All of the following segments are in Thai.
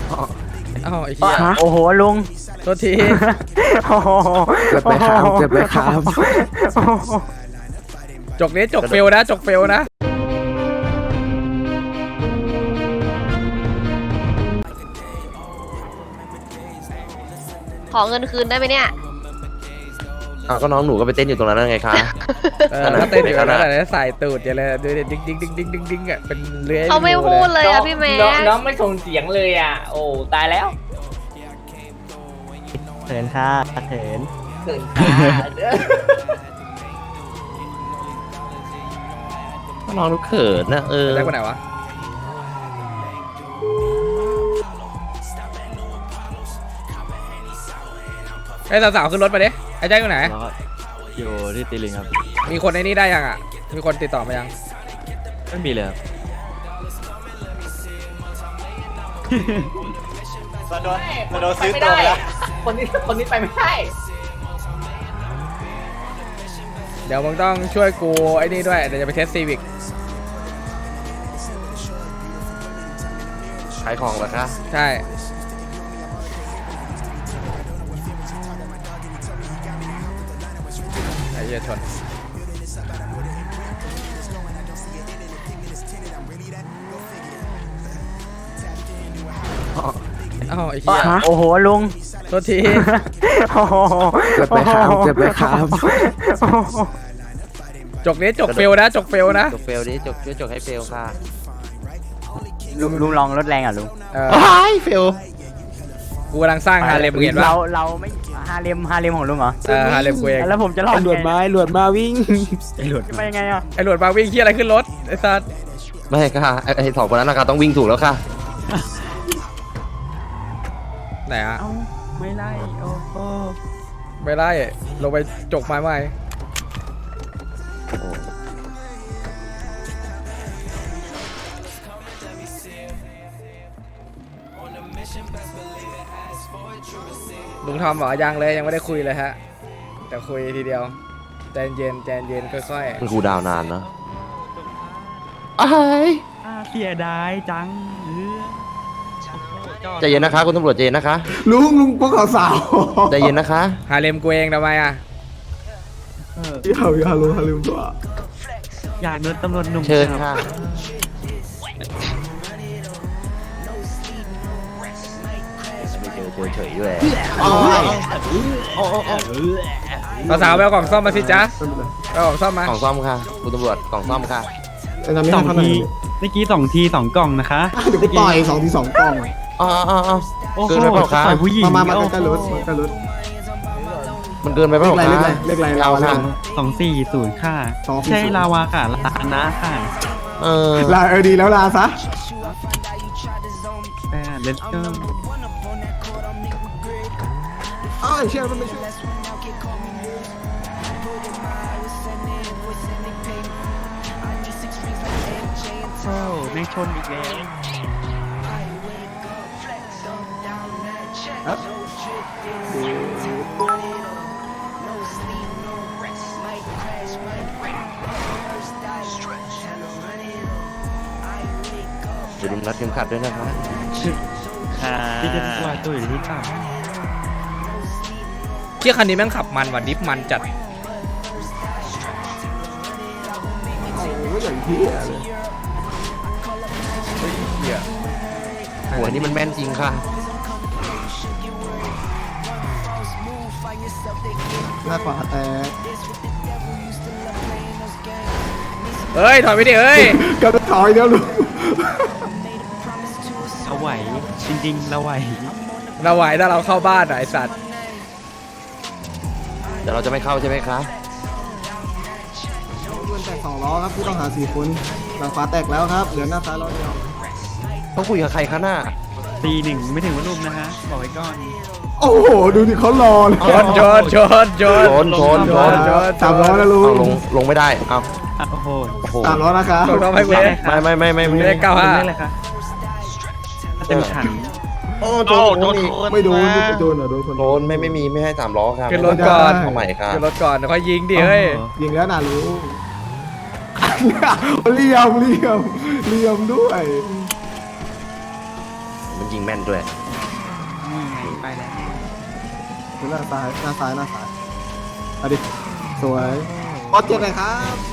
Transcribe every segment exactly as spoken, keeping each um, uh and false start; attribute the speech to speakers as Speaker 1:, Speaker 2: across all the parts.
Speaker 1: อ้าวไอ้เหี้ย
Speaker 2: โอ้โหลุง
Speaker 1: โทษที
Speaker 2: โอ้โห
Speaker 3: เกิดไปครับเกิดไปครับ
Speaker 1: จกนี้จกเฟลนะจกเฟลนะ
Speaker 4: ขอเงินคืนได้ไหมเนี่ย
Speaker 5: อ้าวก็น้องหนูก็ไปเต้นอยู่ตรงนั้นแล้วไงคะ
Speaker 1: เออแล้วเต้นอยู่แล้วแหละใส่ตูดอย่าเลยดูดิดิ้งดิ้งดิ้งดิ้งดิ้งดิ้งอ่ะเป็นเลื้อย
Speaker 4: เขาไม่พูดเลยอะพี่แม่
Speaker 6: น้องน้องไม่ส่งเสียงเลยอ่ะ โอ้ตายแล้ว
Speaker 2: เถินค่ะเถิน
Speaker 6: เกินขาเด้อ
Speaker 5: ก็น้องหนูเขินนะเออ
Speaker 1: ได้คนไหนวะไอ้สาวๆขึ้นรถมาดิไอ้แจ็คอยู่ไหน
Speaker 7: อยู่ที่ตีลิงครับ
Speaker 1: มีคนในนี้ได้ยังอ่ะมีคนติดต่อมายัง
Speaker 7: ไม่มีเลยครับ
Speaker 6: มาโดนมาโดนซื้อตัวไปแล้วคนนี้คนนี้ไปไม่ได้
Speaker 1: เดี๋ยวมึงต้องช่วยกูไอ้นี่ด้วยเดี๋ยวจะไปเทสซีวิก
Speaker 5: ขายของเหรอคะ
Speaker 1: ใช่ไอ้เหี้ยชนอ้าวไอ้เหี้ย
Speaker 2: โอ้โหลุง
Speaker 1: โทษที
Speaker 2: โอ้โห
Speaker 3: เกิดไปครับเกิดไปครับ
Speaker 1: จกนี้จกเฟลนะจกเฟลนะ
Speaker 5: จกเฟลดิจกช่วยจกให้เฟลค่ะ
Speaker 2: ลุงลุงลองรถแรงอ่ะลุง
Speaker 1: เออ
Speaker 5: ว้ายเฟล
Speaker 1: กูกำลังสร้างฮาเลมมึงเห็นปะ
Speaker 2: เราเราไม่ฮาเลมฮาเลมของลุงเหรอ
Speaker 1: เออฮาเลมกูเอง
Speaker 2: แล้วผมจะรอด
Speaker 3: ไอ้หลวดมาไอ้หลวดมาวิ่ง
Speaker 2: จะไปยังไงอ่ะ
Speaker 1: ไอ้หลวดมาวิ่งเหี้ยอะไรขึ้นรถไอ้สัส
Speaker 5: ไม่ค่ะไอ้ไอ้สองคนนั้นนะคะต้องวิ่งถูกแล้วค่ะ
Speaker 1: ไหนอะ
Speaker 2: เอ้าไม่ไล่โอ้โห
Speaker 1: ไม่ไล่ลงไปจกไม้ใหม่ลุงทอมบอกยังเลยยังไม่ได้คุยเลยฮะแต่คุยทีเดียวใจเย็นใจเย็นค่อย
Speaker 5: มันครูดาวนานเนาะอ้าย
Speaker 2: เสียดายจัง
Speaker 5: ใจเย็นนะคะคุณตำรวจใจเย็นนะคะ
Speaker 3: ลุงลุงพวกเขาสาว
Speaker 5: ใจเย็นนะคะ
Speaker 1: ๆฮาเลมกูเองทำไมอะ
Speaker 3: อย่าอย่าลุงอย่าลืมตัว
Speaker 2: อยากโดนตำรวจหนุ่ม
Speaker 5: เชิญค่ะไม่เจอเจอเฉยด้วย
Speaker 1: สาวๆไปเอากล่องซ่อมมาสิจ๊ะไปเอากล่องซ่อมมาก
Speaker 5: ล่องซ่อมค่ะคุณตำรวจกล่องซ่อมค่ะ
Speaker 3: แต่ทำไม่
Speaker 8: สอ
Speaker 3: ได้
Speaker 8: ง
Speaker 3: เท่าไหร่
Speaker 8: ทีเมื่อกี้สองทีสองกล่องนะคะ
Speaker 3: เดี๋ยวกูต่อยสองทีสองกล่อง
Speaker 5: อ๋ออ๋ออ๋อ
Speaker 8: โอ้โห
Speaker 5: เกินไปเปล่าคะ
Speaker 8: ต่อยผู้หญิง
Speaker 3: มามามา
Speaker 8: โอ้
Speaker 3: ใกล้ๆรถใกล้ๆรถ
Speaker 5: มันเกินไปเป
Speaker 3: เล
Speaker 5: ล่า
Speaker 3: ขอะไร
Speaker 5: คะ
Speaker 3: เลขอะไรเลขอะไร
Speaker 5: เอา
Speaker 3: ลาวา
Speaker 5: ค่ะ
Speaker 8: สองสี่ศูนย์ค่ะ
Speaker 3: สองสี่ศูนย์
Speaker 8: ใช่ลาวาค่ะลานะค่ะ
Speaker 5: เออ
Speaker 3: ลาเออดีแล้วลาซะ
Speaker 8: แต่เลสเตอร์
Speaker 3: อ้าวไอ้เชี่ยมันไม่ใช่
Speaker 8: โอ้แม่งชนอีกแล้ว
Speaker 5: อย่าลืมรัดเข็มขัดด้วยนะคะ
Speaker 8: ที่จะตัวตัวอยู่ที่ต่ำ
Speaker 1: เที่ยคันนี้แม่งขับมันว่ะดิฟมันจัด
Speaker 3: โอ้โหอย่างที่เลย
Speaker 1: เหี้ย
Speaker 5: โหัวนี่มันแม่นจริงค่ะ
Speaker 3: หน้าขวาแตก
Speaker 1: เฮ้ยถอยไปดิเฮ้ย
Speaker 3: กระถอยเดียวลุง
Speaker 8: เราไหวจริงๆเราไหว
Speaker 1: เราไหวถ้าเราเข้าบ้านอ่ะไอสัตว์
Speaker 5: เดี๋ยวเราจะไม่เข้าใช่ไหมคะ
Speaker 3: โดนแตกสองล้อครับผู้ต้องหาสี่คนหลังขวาแตกแล้วครับเหลือหน้าซ้ายล้อเดียว
Speaker 5: ต้องคุยกับใครคะหน้า
Speaker 8: ตีหนึ่งไม่ถึงว่ารุมนะคะบอกไว้ก่อน
Speaker 3: โอ้โหดูดิเขารอเลย
Speaker 1: ชนชนชนชน
Speaker 5: ชนชนชน
Speaker 1: ชน
Speaker 3: สามล้อนะลุ
Speaker 5: เอา
Speaker 3: ง
Speaker 5: ลงลงไม่ได้เอา
Speaker 8: อ่ะโอ้โห
Speaker 5: โอ้โห
Speaker 3: สามล้อนะครับ
Speaker 1: ชนต้องให้กู
Speaker 8: เล
Speaker 1: เล่
Speaker 8: ข
Speaker 1: น
Speaker 5: ไม่ไม่ไม่ไม่ไม่
Speaker 1: เลขเก้าห้า
Speaker 8: เลขอะไรคะเต็มขัน
Speaker 5: โอ้โดนโดนอีก
Speaker 3: ไม่โดนไม่โดนเหรอโดนคน
Speaker 5: โดนไม่ไม่มีไม่ให้สามล้อครับ
Speaker 1: ขึ้นรถก่อน
Speaker 5: เอาใหม่ครับ
Speaker 1: ขึ้นรถก่อนเดี๋ยวค่อยยิงดิเฮ้ย
Speaker 3: ยิงแล้วนะลุงเหลี่ยมเหลี่ยมเหลี่ยมด้วย
Speaker 5: ไม่ยิงแม่นด้วย
Speaker 2: นี่ไงไปแล้ว
Speaker 3: ดูหน้าซ้ายหน้าซ้ายหน้าซ้ายเอาดิสวยบอสเจ็บเลยครับ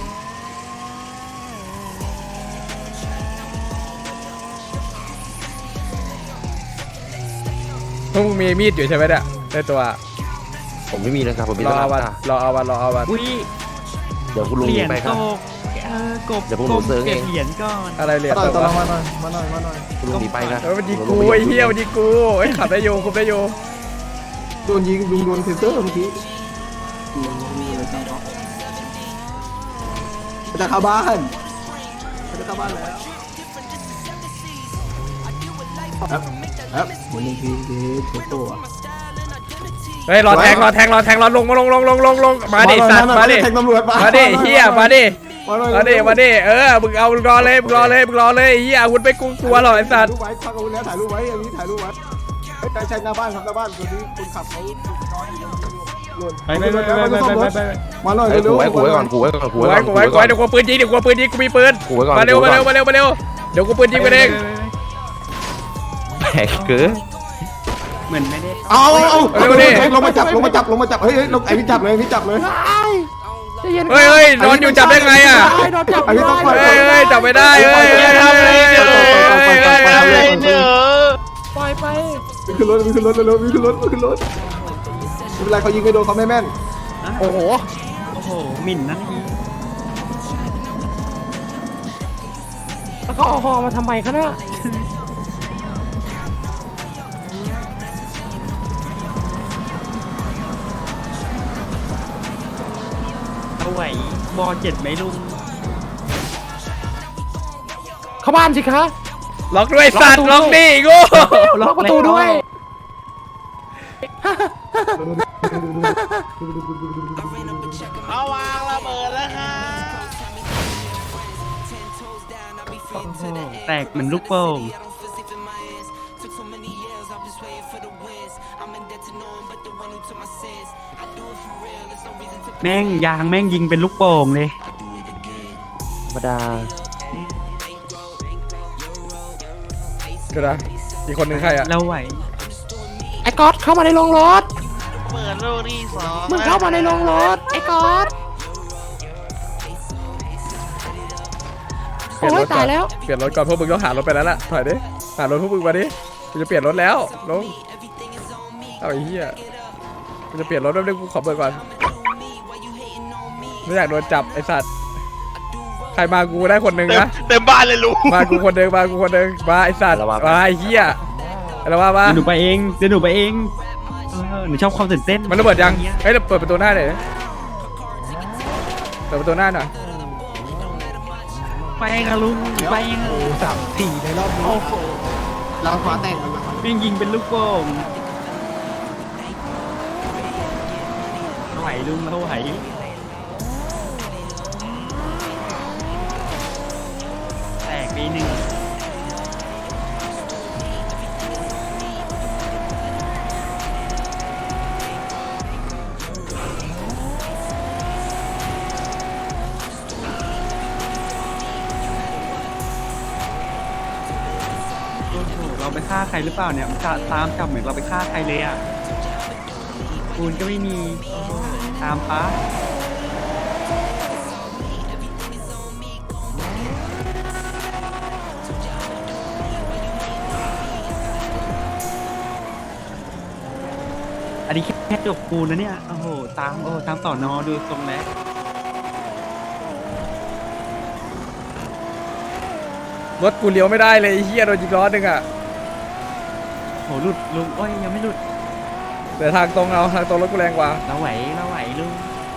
Speaker 1: พวกมึงมีมีดอยู่ใช่ไหมเนี่ยในตัว
Speaker 5: ผมไม่มีนะครับผมมี
Speaker 1: รอ
Speaker 5: แต
Speaker 1: เอาวัน
Speaker 5: ตาร
Speaker 1: อเอาวันรอเอาวัน
Speaker 2: อุ้ย
Speaker 5: เดี๋ยวคุณลุง
Speaker 2: เหรี
Speaker 5: ยิ
Speaker 2: ย
Speaker 5: ง
Speaker 2: ญ
Speaker 5: ไปค
Speaker 2: ต
Speaker 5: รับ
Speaker 2: กเออกบ
Speaker 5: เดี๋ยวพวกหนู
Speaker 2: กบ
Speaker 5: เซิร์ง
Speaker 2: เก็บ
Speaker 5: เอง
Speaker 2: เหรียญก่อน
Speaker 1: อะไรเหรียญ
Speaker 3: ต่
Speaker 1: ต
Speaker 3: อย
Speaker 1: ก
Speaker 3: ต่อ
Speaker 1: วะ
Speaker 3: มาหน่อยมาหน่อยมาหน่อย
Speaker 5: คุณลุงหนีไปครับ
Speaker 1: เออมันยิงกูไอ้เหี้ยมันยิงกูไอ้ยขับได้อยู่คุมได้อยู่
Speaker 3: โดนยิงลุงโดนเทเซอร์เมื่อกี้จะเข้าบ้านจะเข้าบ้านแล้วครับครับหมุนหนึ่งทีเด็กโตอ่ะ
Speaker 1: เฮ้ยรอแทงรอแทงรอแทงรอลงมาลงลงลงลงลงมาดิสัตว์มาดิ
Speaker 3: แทงตำรวจ
Speaker 1: มาดิเฮียมาดิ
Speaker 3: มาหน่อย
Speaker 1: มาดิมาดิเออมึงเอามึงรอเลยมึงรอเลยมึงรอเลยเฮียคุณไปกลัวหรอไอ้สัตว์
Speaker 3: ถ่ายรูปไว้พักเอาไว้แล้วถ่ายรูปไว้อย่างนี้ถ่ายรูปไว้ใช่ใช่หน้าบ้านครับหน้าบ้านตัวนี้คุณขับเขานอนอยู่หล่น
Speaker 2: ไปไปไปไปไปไปไป
Speaker 3: มาหน่อย
Speaker 5: เฮ้ย
Speaker 3: เร็
Speaker 5: กู
Speaker 3: ว
Speaker 5: ไว้กูไว้ก่อนกูไว้ก่อนกู
Speaker 1: กู
Speaker 5: ไว้
Speaker 1: ไว้
Speaker 5: ก่อน
Speaker 1: กูไว้กูไว้เดี๋ยวกูปืนยิงเดี๋ยวกูปืนยิงกูมีปืน
Speaker 5: กูไว้ก่อน
Speaker 1: มาเร็ว
Speaker 5: กู
Speaker 1: มา
Speaker 5: ไว้
Speaker 1: เร็ว
Speaker 5: ก่อน
Speaker 1: มาเร็วมาเร็วเดี๋ยวกูปืนยิงไปเอง
Speaker 5: แปลกเกิน
Speaker 2: เหมือนไม่ได้
Speaker 3: เอาเอาลงมาจับลงมาจับลงมาจับเฮ้ยเฮ้ยไอ้พี่จับเลยพี่จับเลย
Speaker 1: เฮ้ยเฮ้ยนอนอยู่จับได้ไงอ่ะ
Speaker 3: ไอ้พี่ต้องปล่อย
Speaker 1: เฮ้ยเฮ้ยจับไม่ได้เฮ้ยเฮ้ยเฮ้ยเฮ้ยเฮ้ย
Speaker 5: ปล่อยไป
Speaker 3: ขึ้นรถขึ้นรถเร็วขึ้นรถขึ้นรถไม่เป็นไรเขายิงไม่โดนเขาไม่แม่น
Speaker 2: โอ้โหโอ้โหหมิ่นนะนี่
Speaker 5: แล้วก็เอาหอมาทำไมคะเนี่ย
Speaker 2: เอาไหวบอเจ็ดไหมลุง
Speaker 5: เข้าบ้านสิคะ
Speaker 1: ล็อกด้วยสัตว์ล็อกดิโง่
Speaker 5: ล็อกประตูด้วย
Speaker 6: เอาวางระเบิดแล้วค่ะ
Speaker 2: โอ้โหแตกเหมือนลูกโป่งแม่งยางแม่งยิงเป็นลูกโป่งเลย
Speaker 5: ธรรมดา
Speaker 1: เดี๋ยวนะอีกคนหนึ่งใครอ่ะ
Speaker 2: เราไหว
Speaker 5: ไอ้ก๊อตเข้ามาในโรงรถ
Speaker 6: เปิดลูกที่สอง
Speaker 5: มึงเข้ามาในโรงรถไอ้ก๊อต
Speaker 1: เปลี่ยนรถก่อนเปลี่ยนรถก่อนพวกมึงต้องหารถไปแล้วล่ะถอยดิหารถพวกมึงมาดิกูจะเปลี่ยนรถแล้วลงเอาไอ้เหี้ยกูจะเปลี่ยนรถแป๊บนึงกูขอเบิกก่อนไม่อยากโดนจับไอ้สัตว์ใครมากูได้คนหนึ่งนะ
Speaker 6: เต็มบ้านเลยลุง
Speaker 1: มากูคนหนึ่งมากูคนหนึ่งมาไอ้สัตว์มาไอ้เหี้ยอะไรวะมา
Speaker 2: เดี๋ยวหนูไปเองเดี๋ยวหนูไปเองเออหนูชอบความตื่นเต้น
Speaker 1: มันระเบิดยังเฮ้ยเปิดประตูหน้าหน่อยเปิดประตูหน้าหน่อย
Speaker 2: ไปกับลุงไปเอง
Speaker 3: สามสี่ในรอบนี้เราขวาแตก
Speaker 2: วิ่งยิงเป็นลูกโป่งเราไหวลุงเราไหวแตกไปหนึ่ง เราไปฆ่าใครหรือเปล่าเนี่ยมันจะตามจับเหมือนเราไปฆ่าใครเลยอ่ะปูนก็ไม่มีตามป้าอันนี้แค่จบปูนนะเนี่ยโอ้โหตามโอ้ตามต่อนอดูทรงแล้ว
Speaker 1: รถกูเลี้ยวไม่ได้เลยไอ้เหี้ยโดนยิงล้อหนึ่งอ่ะ
Speaker 2: โหหลุดลุงโอ้ยยังไม่หลุด
Speaker 1: แต่ทางตรงเอาทางตรงรถกูแรงกว่า
Speaker 2: เราไหวเราไหวลุง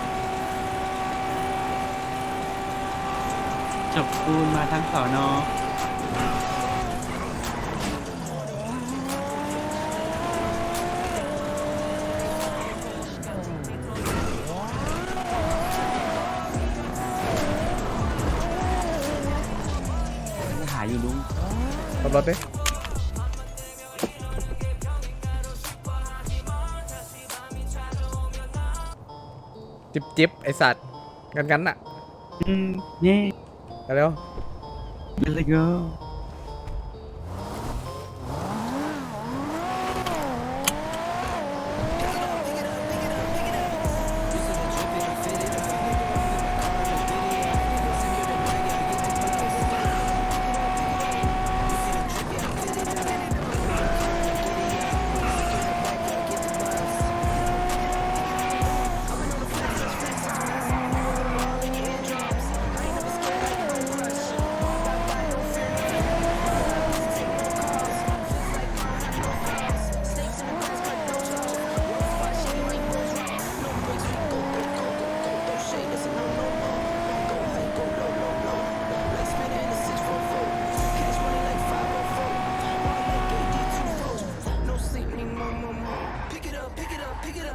Speaker 2: จบปูนมาทั้งสอนอหาอยู่ลุง
Speaker 1: ขับรถดิจิบจิบไอสัตว์กันกันน่ะ
Speaker 2: อืมเนี่ย
Speaker 1: เร็ว
Speaker 2: let's go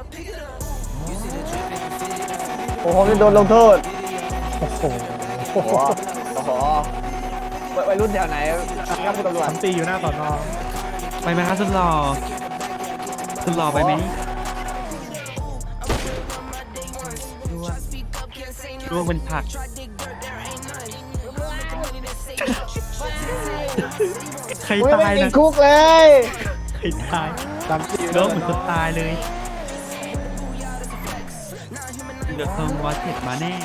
Speaker 6: โอ้โหจะโดนลงโทษ
Speaker 3: โอ้โห
Speaker 6: โอ้โหโอ้โหวัยรุ่นแถวไหนครับคุณตำรวจ
Speaker 3: ทำตีอยู่หน้าสอนอ
Speaker 2: ไปไหมครับสุดหล่อสุดหล่อไปไหมร่วงเป็นผักใคร
Speaker 6: ไม่
Speaker 2: ตาย
Speaker 6: ติด
Speaker 2: นะ
Speaker 6: คุกเลย
Speaker 2: ใครตาย
Speaker 3: ทำตีอยู่ห
Speaker 2: ร่
Speaker 3: น้าว
Speaker 2: งเหมือนคนตายเลยเดือดทองวอเทดมาแน่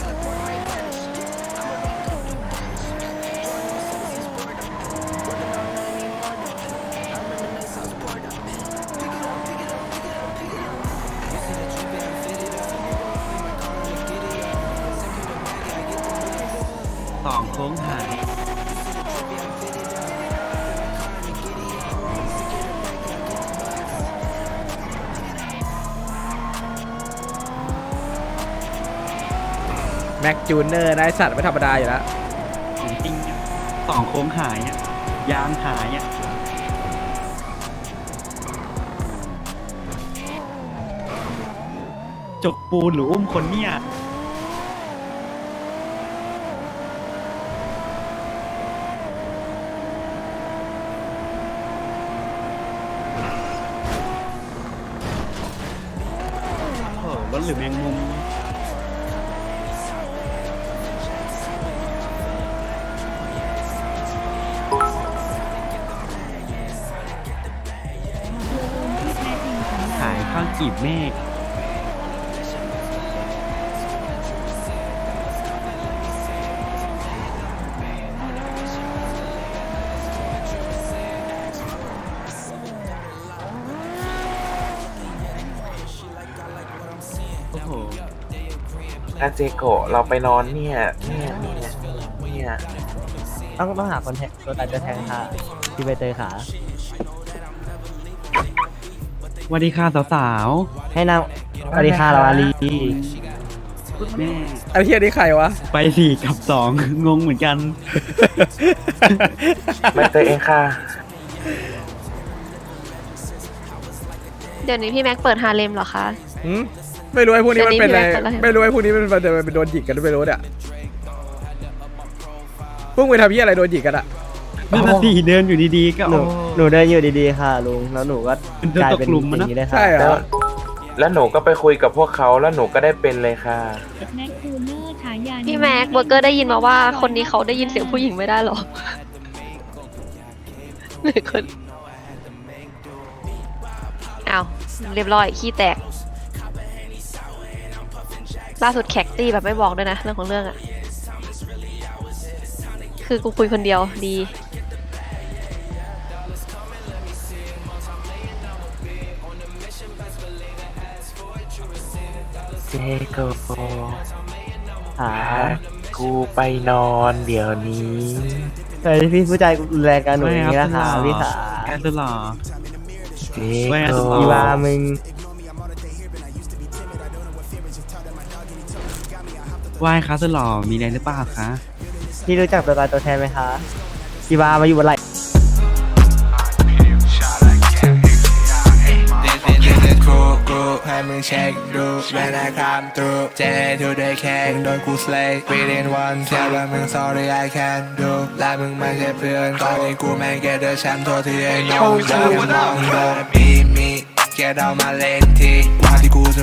Speaker 2: สองโค้งหาย
Speaker 1: แม็กจูเนอร์นายสัตว์ไม่ธรรมดาอยู่แล้ว
Speaker 2: ของจริงอะสองโค้งหายอ่ะยางหายอ่ะจกปูนหรืออุ้มคนเนี่ยโอ้รถหรือแมงมุมหายข้างกีบเมฆโอ้โห
Speaker 5: อาเจโกะเราไปนอนเนี่ย เนี่ยเนี่ยเนี่ย
Speaker 6: ต้องต้องหาคนแทงตัวตายจะแทงค่ะที่ใบเตยขา
Speaker 2: สวัสดีค่ะสาว
Speaker 6: ให้นางสวัสดีค่ะเราอาลี
Speaker 2: ๆแม่
Speaker 1: ไอ้เฮียนี่ใครวะ
Speaker 2: ไปสี่กับสอง งงเหมือนกัน
Speaker 5: ไม่เตยเองค่ะ
Speaker 4: เดี๋ยวนี้พี่แม็กเปิดฮาเลมเหรอคะ
Speaker 1: หืมไม่รู้ไอ้พวกนี้มันเป็นอะไร
Speaker 4: เดี๋ยวนี้พี่แม็กซ์เป็นอะไร
Speaker 1: ไม่รู้ไอ้พวกนี้มันมันจะเป็นโดนหยิกกันหรือไม่รู้เนี่ยพวกมึงทำเหี้ยอะไรโดนหยิกกันอะ
Speaker 2: นั่นน่ะสิเดินอยู่ดีๆก็
Speaker 6: หนู
Speaker 2: โอ้
Speaker 6: หนูเดินอยู่ดีๆค่ะลุงแล้วหนูก็
Speaker 2: มันเดิน
Speaker 6: กลาย
Speaker 2: ตก
Speaker 6: เป็น
Speaker 2: หลุม
Speaker 6: อ
Speaker 2: มันนะ
Speaker 6: ย่างนี้เลยค่ะ
Speaker 1: ใช่เหร
Speaker 5: แล้ว
Speaker 1: อ
Speaker 5: แล้วหนูก็ไปคุยกับพวกเขาแล้วหนูก็ได้เป็นเลยค่ะ
Speaker 9: แม็กคูเลอร์ฉายา
Speaker 4: พี่แม็กเบอร์เกอร์ได้ยินมาว่าคนนี้เขาได้ยินเสียงผู้หญิงไม่ได้หรอหนึ่งคนอ้าวเรียบร้อยขี้แตกล่าสุดแขกตี้แบบไม่บอกด้วยนะเรื่องของเรื่องอะคือกูคุยคนเดียวดี
Speaker 5: เจโกะ
Speaker 6: หา
Speaker 5: กูไปนอนเดี๋ยวนี้
Speaker 6: เฮ้ยพี่ผู้ใจรุนแรงกันหนูอย่างนี้นะคะพี่ขา
Speaker 2: แกสุดหล่อ
Speaker 5: เจ
Speaker 2: ไม่
Speaker 5: โก
Speaker 2: เอา
Speaker 6: อีวา
Speaker 5: ะ
Speaker 6: มึง
Speaker 2: ไหว้คะสุดหล่อมีอะไรหรือเปล่าคะ
Speaker 6: พี่รู้จักตัวตายตัวแทนไหมคะอีวามาอยู่บนไหล่
Speaker 10: ให้มึงเช็คดูเวลาคำตูเจทูได้แค่โดนกูสเลย์ within one แค่ว่ามึง sorry I can't do และมึงไม่ใช่เพื่อนตอนนี้กูแม่งแกเดอร์แชมป์โทษที่ไอ้น้องจะมองโดนบีมีแกเดามาเล่นทีว่าที่กูจะ